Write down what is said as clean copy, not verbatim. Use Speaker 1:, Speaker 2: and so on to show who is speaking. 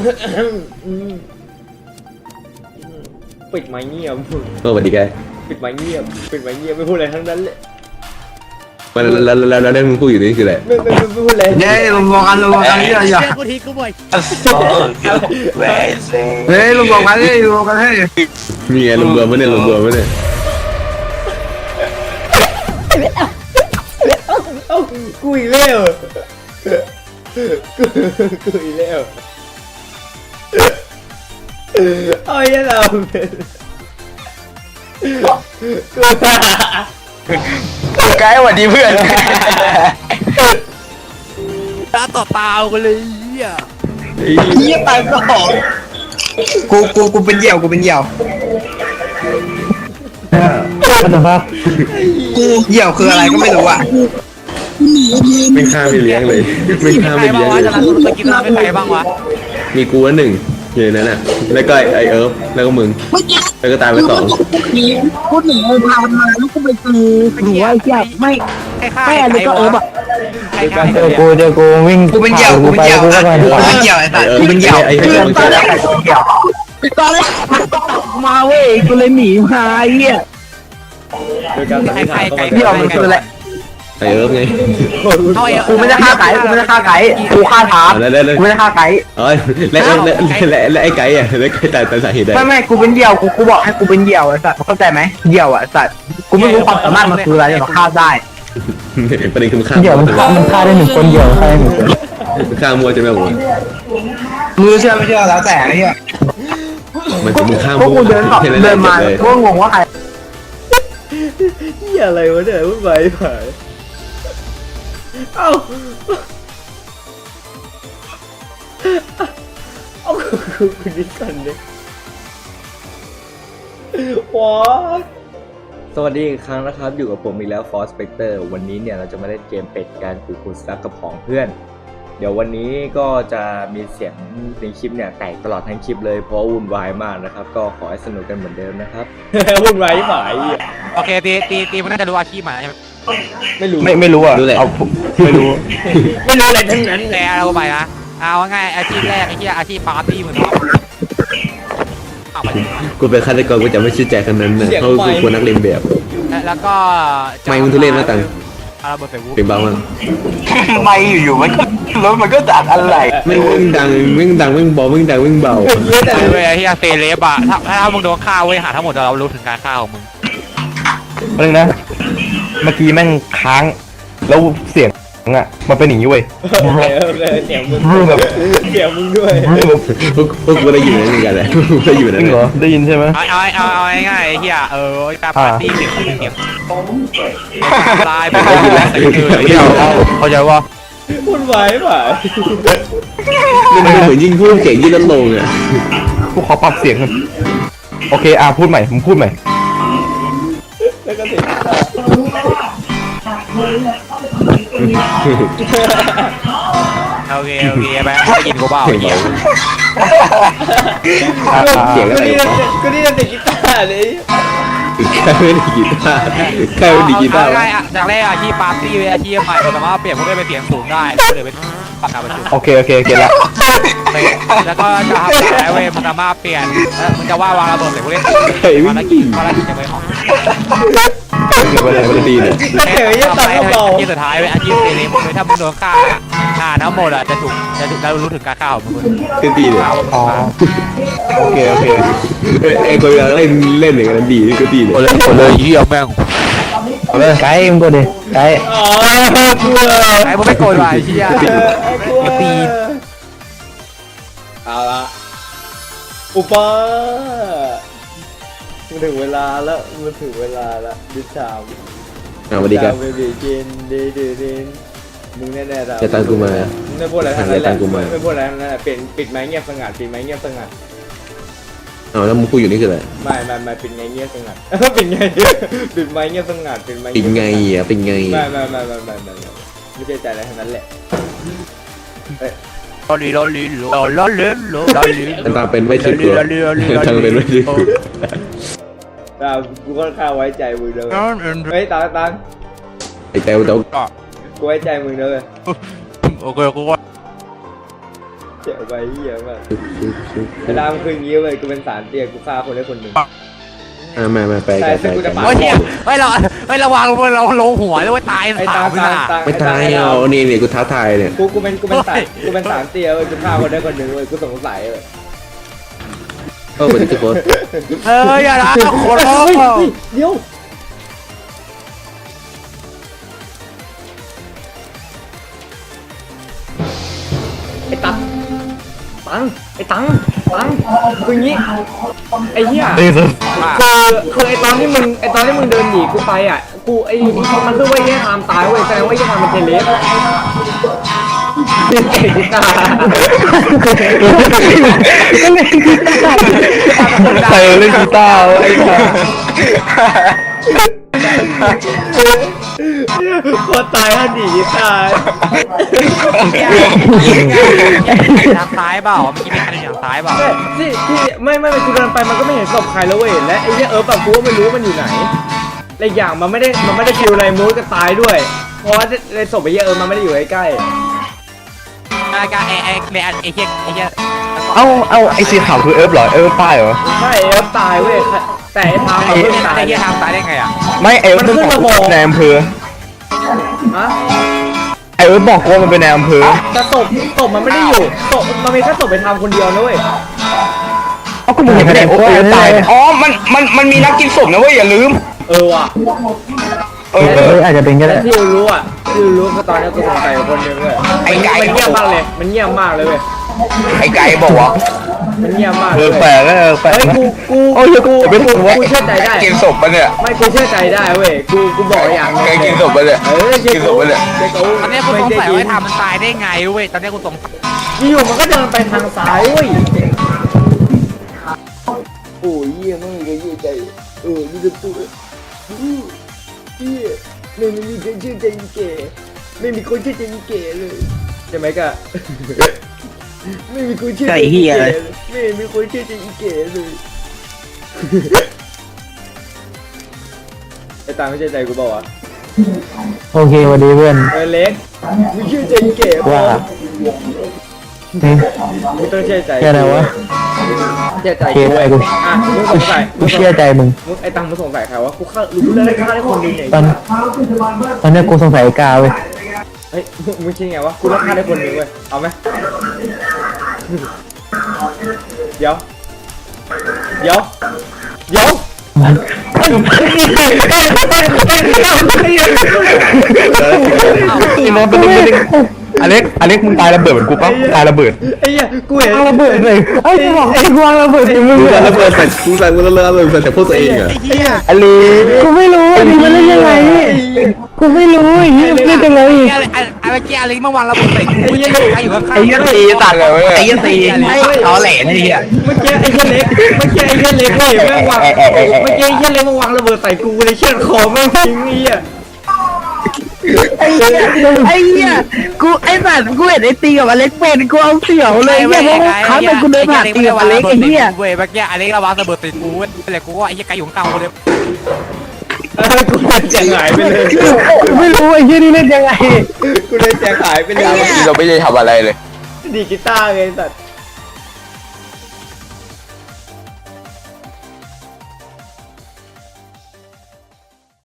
Speaker 1: ปิดไม้เงียบ
Speaker 2: สวัสดีแก
Speaker 1: ปิดไม้เงียบไม่พูดอะไรทั้งนั้นเลย
Speaker 2: แล้วมึงพูดอยู่นี่คืออะไร
Speaker 1: ไม่พูดอะไร
Speaker 3: เนี่ยรวมกันนี่อะไรอย่าง
Speaker 4: กูทีกูบ่อย
Speaker 3: เนี่ยรวมกันนี่รวมกันให้
Speaker 2: มีไงรวมๆไม่เนี่ยรวมๆไม่เนี่ย
Speaker 1: เอ้ากูอีกแล้วกูอีกแล้วเอาไอ้เรา
Speaker 3: ไกด์สวัสดีเพื่อน
Speaker 4: ตาต่อตากันเลยอ่ะ
Speaker 3: เฮียตายก็หอมกูเป็นเหยี่ยวกูเป็นเหยี่ยวกูเหยี่ยวคืออะไรก็ไม่รู้อ่ะ
Speaker 2: ไม่ฆ่าไม่เลี้ยงเลยไม่ฆ่าไม่
Speaker 4: ใคร
Speaker 2: เลี้ย
Speaker 4: บ้าง ง
Speaker 2: เล
Speaker 4: วะ
Speaker 2: ย
Speaker 4: จะรันไปกินน้ำไม่ใครบ้างวะ
Speaker 2: มีกูว่าหนึ่งอยู่ในนั้นอ่ะแล้วก็ไอเอิร์ฟแล้วก็มึงแล้วก็ตายไปสอง
Speaker 5: พูดถึงเลยพามาแล้วก็ไปเจอหนูว่าอยากไม่
Speaker 4: ไม่อันนี้ก็แบบ
Speaker 5: เจอกูวิ่ง
Speaker 3: กูเป็นเหยี่ยวกูเป็นเหยี่ยวกูเป็นเหยี่ยวไอ้สัตว์กูเป็นเหยี่ยว
Speaker 2: ไอ้เหี้ยมึงจะ
Speaker 5: ตอนแรกมาเว้ยกูเลยหนีมาไอ้เหี้ย
Speaker 1: โดยการสันนิษฐาน
Speaker 3: เหยี่ยวมันคืออะไร
Speaker 2: ไอเอิร์ฟไง
Speaker 3: กูไม่ได้ฆ่าไก่กูไม่ได้ฆ่าไก่กูฆ่าถาม
Speaker 2: แล้ว
Speaker 3: กูไม่ได้ฆ่าไก่
Speaker 2: อ๋อและไอ้ไก่อ่ะแล้วไก่ตายสาเหตุใด
Speaker 3: ไม่กูเป็นเหยี่ยวกูบอกให้กูเป็นเหยี่ยวไอ้สัตว์เข้าใจไหมเหยี่ยวอ่ะสัตว์กูไม่รู้ความสามารถมันคืออะไรแต่ฆ่าได้
Speaker 2: ประเด็นคือมึงฆ่า
Speaker 5: เดี๋ยวมันฆ่าได้1 คนเดียวฆ่าได้1 คน
Speaker 2: มึงฆ่ามัวใช่ไหมผม
Speaker 3: มือเชื่อไม่เชื่อแล้วแต่ไอ้เหี้ย
Speaker 2: มันจะมึงฆ่า
Speaker 3: พวก
Speaker 2: มัว
Speaker 3: กูเดินมาพวกงงว่าใคร
Speaker 1: เหี้ยอะไรวะเนี่ยวุ่นวายผ่านเอ้ากูดิก่อนเลยว้าสวัสดีอีกครั้งนะครับอยู่กับผมอีกแล้ว Force Spectre วันนี้เนี่ยเราจะมาเล่นเกมเป็ดการขู่คุณซักกับของเพื่อนเดี๋ยววันนี้ก็จะมีเสียงในคลิปเนี่ยแตกตลอดทั้งคลิปเลยเพราะวุ่นวายมากนะครับก็ขอให้สนุกกันเหมือนเดิมนะครับ วุ่นวายฝ่าย
Speaker 4: โอเคตีมันน่าจะรู้อาชีพมาใช่ไหม
Speaker 1: ไม่รู้
Speaker 5: ไม่รู้อ่ะ
Speaker 2: รู้แหละ
Speaker 5: ไม่รู้
Speaker 1: ไม่รู้อะไรทั้งนั้น
Speaker 4: แต่เราไปนะเอาง่ายอาชีพแรกไอ้ที่อาชีพปาร์ตี้เหมือนกันเอาไป
Speaker 2: กูเป็นฆาตกรกูจะไม่ชื่อใจคนนั้นนะเพราะกูควรนักเรียนแบบ
Speaker 4: แล้วก็
Speaker 2: ไม่มึงทุเรศมากตัง
Speaker 4: เอาระเบิดใส่วุ้
Speaker 2: เป็นเบามาก
Speaker 3: ไม่อยู่ๆมันก็รถมันก็จากอะไร
Speaker 2: ไม่วิ่งดังวิ่งดังวิ่งเบาวิ่งดังวิ่งเบา
Speaker 4: เว้ยที่เซเลบอะถ้ามึงโดนฆ่าเว้ยหาทั้งหมดเรารู้ถึงการฆ่าของมึง
Speaker 5: นึงนะเมื่อกี้แม่งค้างแล้วเสียงอ่ะมันเป็นอย่างนี้เว้ย
Speaker 1: เสียงมึง
Speaker 5: แบบ
Speaker 1: เสียงมึงด้วย
Speaker 2: พวกกูได้ยินเหมือนกันเลยได้ยินเหมือน
Speaker 5: จ
Speaker 2: กั
Speaker 5: ริ
Speaker 2: น
Speaker 5: งเหรอได้ยินใช่ไหม
Speaker 4: เอาง่ายๆไอ้เหี้ยการปาร์ตี้เสียงลายไปแล้วแต่คือเข้าใจว่า
Speaker 1: วุ่นวายฝ่าย
Speaker 2: มันเหมือนยิ่งพูดเสียงยิ่งลดลงอ่ะ
Speaker 5: กูขอปรับเสียงกันโอเคพูดใหม่มึงพูดใหม่
Speaker 1: แล้วก็เสียง
Speaker 4: โอเคไปได้ยินกูเปล่าไอ้เหี้ย
Speaker 2: เสียงอะไร
Speaker 1: ก็นี่นั่นเด็กกีตาร์เลย
Speaker 2: ใครไม่ได้กีตาร์ใครไม่ได้กีตาร์
Speaker 4: ง่ายๆจากแรกอาชีพปาร์ตี้เป็นอาชีพใหม่เราสามารถเปลี่ยนพวกได้เป็นเสียงสูงได้เดี๋ยวเป็นปากกาประจุ
Speaker 5: โอเคเก็ตละ
Speaker 4: แล้วก็จะทำอะไรเว้ยมันสามารถเปลี่ยนมันจะว่าวางระเบิดใส่พวกเล่น
Speaker 2: ใครไม่
Speaker 4: ภาร
Speaker 2: ได้
Speaker 4: กิ
Speaker 2: กี
Speaker 4: จภารกิจจะไปห้อง
Speaker 2: มันดีเนี่ย
Speaker 1: เฮ้ยยังตัดกระเป๋า
Speaker 4: อาชีพสุดท้ายเป็นอาชีพเซเลบเลยถ้ามึงโดนฆ่าทั้งหมดอ่ะจะถูกเรารู้ถึงการฆ่าของมึง
Speaker 2: คือดีเนี่ย
Speaker 5: อ๋อโอเค
Speaker 2: ไอ้คนเล่นอย่างนั้นดีก็ดีเนี่ย
Speaker 4: เลยเยี่ยมแม่ง
Speaker 5: เอาเลยไกด์มึงก็ดิไกด์
Speaker 1: อ๋อกลัว
Speaker 4: ไอ้พวกไม่โกรธว่ะไอ้เชี่ย
Speaker 1: ตีเอาละอุปามันถึงเวลาแล้วดิชาม
Speaker 2: สวัสดีครับ
Speaker 1: เบบีเจนเดนมึงแน่ๆเรา
Speaker 2: จะตังกูมา
Speaker 1: ไม่พูดอะไรทั้งนั้นแหละ
Speaker 2: จะตังกูมา
Speaker 1: ไม่พูดอะไรทั้งนั้นแหละปิดไม้เงียบสงัดปิดไม้เงียบสงัด
Speaker 2: เอาแล้วมึงพูดอยู่นี่คืออะไร
Speaker 1: ไม่ปิดไงเงียบสงัดปิดไงปิดไม้เงียบสงัดปิดไม้
Speaker 2: เป็นไงอ่ะเป็นไง
Speaker 1: ไม่ใช่ใจอะไรทั้งนั้นแหละ
Speaker 4: ลอลี
Speaker 2: ตามเป็นไม่ชื่อกลัวตามเป็นไม่ชื่อกลัว
Speaker 1: แต่กูค่อนข้างไว้ใจมึงเลยเฮ้ยตัง
Speaker 2: ไอ้เต้า
Speaker 1: กูไว้ใจมึงเลย
Speaker 4: โอเคกูว่า
Speaker 1: เจ็บไปเหี้ยมากเวลามันคืออย่างงี้เว้ยกูเป็นสารเตี้ยกูฆ่าคนได้คนหนึ่ง
Speaker 2: มาไป
Speaker 1: แต่ซึ่งกูจะ
Speaker 4: โอ้ยเฮียเฮ้ยเราวางเราลงหัวเลยว่าตาย
Speaker 1: ไอ้ตา
Speaker 2: ไม่ตายเอานี่กูท้าทายเนี่ย
Speaker 1: กูเป็นสารเตี้ยเว้ยกูฆ่าคนได้คนหนึ่งเว้ยกูสงสัยเว้ย
Speaker 2: วันนี้ทุกคน
Speaker 4: อย่าละโคตร
Speaker 1: เดี๋ยวไอ้ตังคืองี้ไอ้เหี้ย
Speaker 5: เอ้ย
Speaker 1: คือไอ้ตอนที่มึงเดินหนีกูไปอ่ะกูไอ้มันคือว่าไอ้ทามตายเว้ยแสดงว่าไอ้ทามมันเทเลสไอ้กีตาร์
Speaker 5: ใครเล่นกีตาร์ไอ้ห่า
Speaker 1: โคตรตายแล้วหนีกีตาร์
Speaker 4: ทางซ้ายเปล่าเมื่อกี้เป็นทางซ้ายเปล่า
Speaker 1: ที่ไม่กูเดินไปมันก็ไม่เห็นศพใครแล้วเว้ยและไอ้เหี้ยแบบกูก็ไม่รู้ว่ามันอยู่ไหนและอย่างมันไม่ได้คิวอะไรมูดก็ตายด้วยเพราะว่าในศพไอ้เหี้ยมันไม่ได้อยู่ใกล้
Speaker 4: การไอ้เฮีย
Speaker 5: เอาไอ้สีขาวคือเอิร์ฟเหรอเอิร์ฟป้ายเหรอ
Speaker 1: ใช่ตายเว้ยแต่ไอ้ทามมันเพิ่งตาย
Speaker 4: ไอ้เฮียทางซ้ายได้ไงอ่ะ
Speaker 5: ไม่เอิร์ฟมันบอกในอำเภอ
Speaker 1: ฮะ
Speaker 5: ไอเอิร์ฟบอกว่ามันเป็นในอำเภอ
Speaker 1: แต่ศพมันไม่ได้อยู่ศพมันมีแค่ศพไปทำคนเดียวนะเว้ย
Speaker 5: เอาก็มึงเห็นไอ้โอ้ยตายอ๋อมันมีนักกินศพนะเว้ยอย่าลืม
Speaker 1: ว่ะ
Speaker 3: อาจจะเป็นก็
Speaker 1: แต่
Speaker 3: ได้
Speaker 1: ที่รู้อ่ะที่รู้คือตอนนี้กูสงสัยคนหนึงเว้ยมันเงียบมากเลยมันเงียบมากเลยเว้ย
Speaker 5: ไอ้ไก่บอกว่า
Speaker 1: มันเงียบมาก
Speaker 5: เอ
Speaker 1: เลย
Speaker 5: อแปลกแปลก
Speaker 1: เฮ้ยกู
Speaker 5: โอ้ยกูไม่ถูกว่า
Speaker 1: กูเชื่อใจได้
Speaker 2: กินศพมันเนี่ย
Speaker 1: ไม่กูเชื่อใจได้เว้ยกูบอกอย่างนึง
Speaker 2: แกกินศพมันเนี่ย
Speaker 1: เชื่อ
Speaker 2: กินศพมันเนี่ย
Speaker 4: ตอนนี้กูสงสัยว่าทำมันตายได้ไงเว้ยตอนนี้กูสงสัย
Speaker 1: อยู่มันก็เดินไปทางซ้ายเว้ยโอ้ยเยี่ยมากเลยเยี่ยใจนี่จะพูดเยี่ยไม่มีใครเชื่อใจอีเก๋ไม่มีคนเชื่อใจอีเก๋เลยใช่ไหมกะไม่มีคนเชื่อใจอีเก๋เลยไม่มีคนเชื่อใจอีเก๋เลยไอ้ตาไม่เชื่อใจกูบอกว่า
Speaker 3: โอเควันดีเพื่อน
Speaker 1: เล็กมึงเชื่อใจอีเก๋ป่ะ
Speaker 3: ว่า
Speaker 1: มึงต้องเชื่อใจ
Speaker 3: แค่ไหนวะ
Speaker 1: เชื่อใจ
Speaker 3: โอเคไอ้กู
Speaker 1: มึงสงสัย
Speaker 3: กูเชื่อใจมึง
Speaker 1: ไอ้ตังมึงสงสัยใครวะกูฆ่ารู้เรื่องได้ฆ่าได้คนหนึงเนี่ย
Speaker 3: ตอนนี้กูสงสัยไอ้กาเว้ย
Speaker 1: เฮ้ยมึงคิดไงวะกูต้องฆ่าได้คนหนึงเว้ยเอาไหมเดี๋ยว
Speaker 5: ไอ้น้องเป็นอเล็กมึงตายระเบิดเหมือนกูปะตายระเบิด
Speaker 1: ไอ้เหี้ยกูเห็น
Speaker 3: ระเบิดเลยไอ้บอกไอ้กวางระเบิดถึงมึง
Speaker 2: กู
Speaker 3: เลย
Speaker 2: ระเบิดใส่กูใส่กูระเบิดใส่พวกตัวเองเหรอ
Speaker 1: ไอ้เหี้ย
Speaker 5: อะไร
Speaker 3: กูไม่รู้อันนี้มันเล่นยังไงกูไม่รู้ไอ้เหี้ยเล่นยังไง
Speaker 4: ไอ้เมื่อกี้อะไรเมื่อวานเราใส่กูยังอยู่ข้างๆ
Speaker 5: ไอ้ยันตีตัดเลยไอ้ยันตีเอาแหล่นี่เหี้ย
Speaker 1: เมื่อกี้ไอ้เหี้ยเล็กเว้ยแม่งวางเมื่อกี้ไอ้เหี้ยเล็กมาวางระเบิดใส่กูเลยเชือดคอแม่งทิ้งไอ้เหี้ย
Speaker 3: ไอ้เหี้ยกูไอ้สัตว์กูเห็นไอ้ตีกับอเล็กเป็นกูเอาเสี่ยวเลยเนี่ยเพราะว่าครั้งนึงกูเดินผ่านตีกับอเล็กไอ้เหี้ย
Speaker 4: เว้ยเมื่อกี้อเล็กระวังระเบิดติดกูเว้ยแต่กูว่าไอ้ยังไกลอยู่ข้างๆกูเลย
Speaker 1: กูเลยแจงหายไปเลย
Speaker 3: ไม่รู้ไอ้เหี้ยนี่เล่นยังไง
Speaker 1: กูเลยแจงหายไปเลย
Speaker 2: เราไม่ได้ทำอะไรเลย
Speaker 1: ดีกีตาร์ไงสัตว์